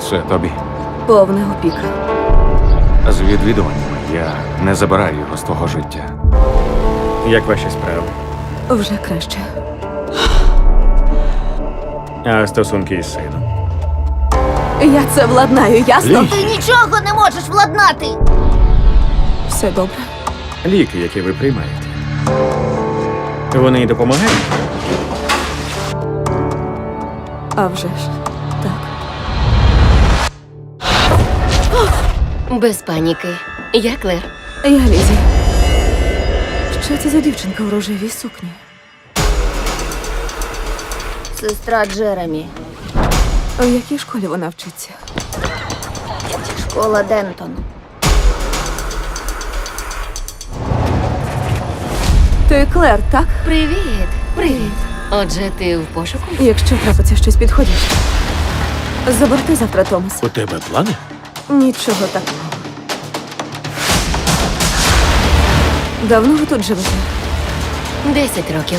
Це тобі. Повна опіка. З відвідуваннями я не забираю його з твого життя. Як ваші справи? Вже краще. А стосунки із сином? Я це владнаю, ясно? Лі. Ти нічого не можеш владнати! Все добре. Ліки, які ви приймаєте. Вони й допомагають? А вже ж. Так. Без паніки. Я Клер. Я Лізі. Що це за дівчинка у рожевій сукні? Сестра Джеремі. У якій школі вона вчиться? Школа Дентон. Ти Клер, так? Привіт. Привіт. Отже, ти в пошуку? Якщо трапиться щось підходяще. Заберти завтра Томаса. У тебе плани? Нічого такого. Давно ви тут живете? 10 років.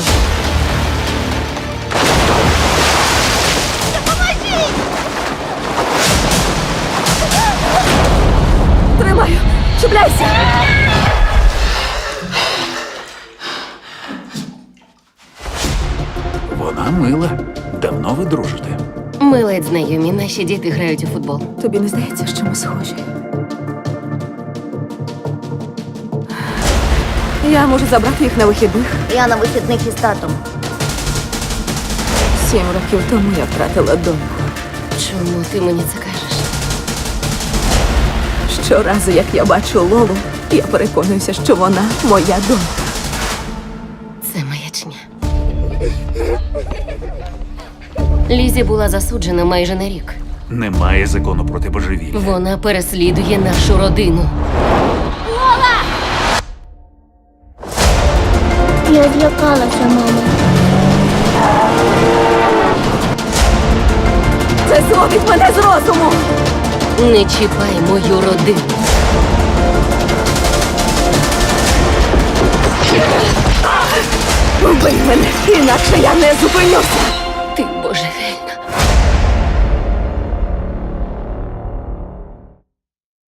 Тримаю! Чіпляйся! Вона мила. Давно ви дружите? Ми ледь знайомі. Наші діти грають у футбол. Тобі не здається, що ми схожі? Я можу забрати їх на вихідних. Я на вихідних із татом. 7 років тому я втратила доньку. Чому ти мені це кажеш? Щоразу, як я бачу Лолу, я переконуюся, що вона моя донька. Це маячня. Лізі була засуджена майже на рік. Немає закону проти божевілля. Вона переслідує нашу родину. Я злякалася, мама. Це зводить мене з розуму! Не чіпай мою родину. Вбий мене, інакше я не зупинюся! Ти божевільна.